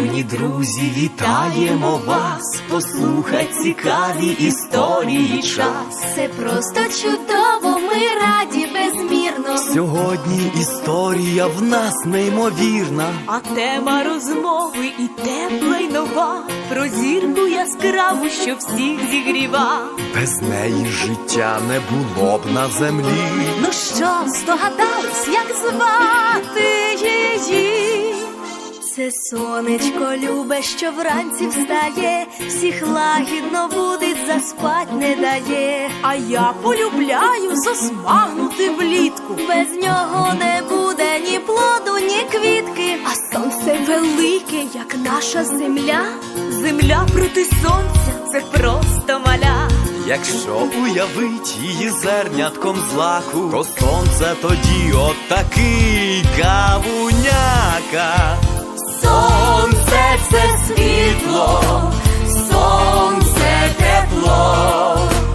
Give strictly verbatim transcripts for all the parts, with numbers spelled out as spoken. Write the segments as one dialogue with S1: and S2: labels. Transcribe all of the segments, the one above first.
S1: Шановні друзі, вітаємо вас, послухать цікаві історії час.
S2: Це просто чудово, ми раді безмірно.
S1: Сьогодні історія в нас неймовірна,
S3: а тема розмови і тепла, й нова, про зірку яскраву, що всіх зігріва.
S1: без неї життя не було б на землі.
S2: Ну що, здогадались, як звати її? Це сонечко любе, що вранці встає, всіх лагідно будить, заспать не дає.
S3: А я полюбляю засмагнути влітку.
S2: Без нього не буде ні плоду, ні квітки.
S3: А сонце велике, як наша земля. Земля проти сонця – це просто маля.
S1: Якщо уявить її зернятком злаку, то сонце тоді отакий кавуняка.
S2: Сонце – це світло, сонце – тепло,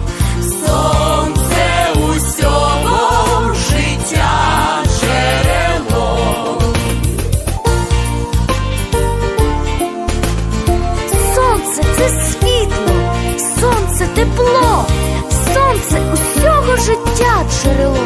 S2: сонце усього життя джерело. Сонце – це світло, сонце – тепло, сонце усього життя джерело.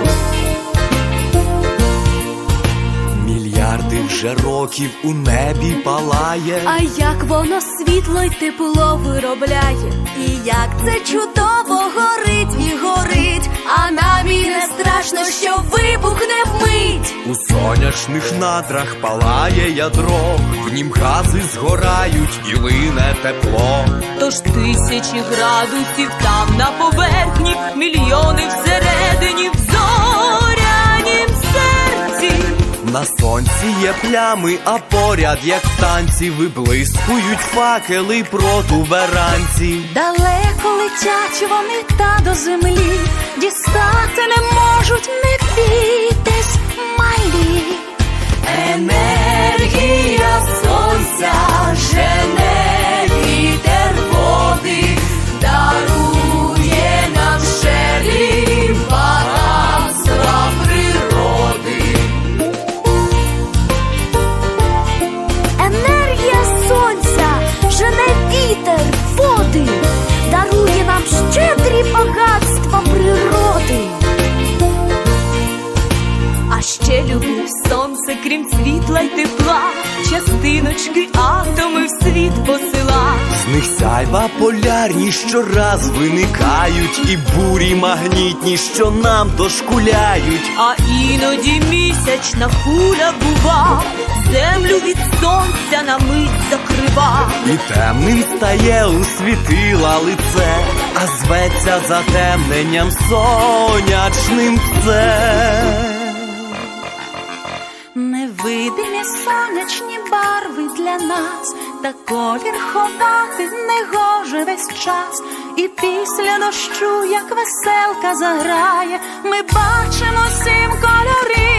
S1: Мільярди вже років у небі палає,
S2: А як воно світло й тепло виробляє, і як це чудово горить і горить, а нам і не страшно, що вибухне вмить.
S1: у сонячних надрах палає ядро, в нім гази згорають і лине тепло.
S3: Тож тисячі градусів там на поверхні, мільйони всередині, в зорянім серці.
S1: На сонці є плями, а поряд, як в танці, виблискують факели протуберанці.
S2: Далеко летять вони та до землі, дістати не можуть, не бійтесь, малі. Енергія сонця жене вітер води, дарує нам щедрі багатства природи. Енергія сонця жене вітер води, дарує нам щедрі багатства природи.
S3: А ще люблю сонце, крім світла й тепла, частиночки, атоми в світ посила.
S1: З них сяйва полярні щораз виникають, і бурі магнітні, що нам дошкуляють.
S3: А іноді місячна куля бува, землю від сонця на мить закрива.
S1: І темним стає у світила лице, а зветься затемненням сонячним це.
S2: Невидимі сонячні барви для нас, та колір ховати не гоже весь час. І після дощу, як веселка заграє, ми бачимо сім кольорів.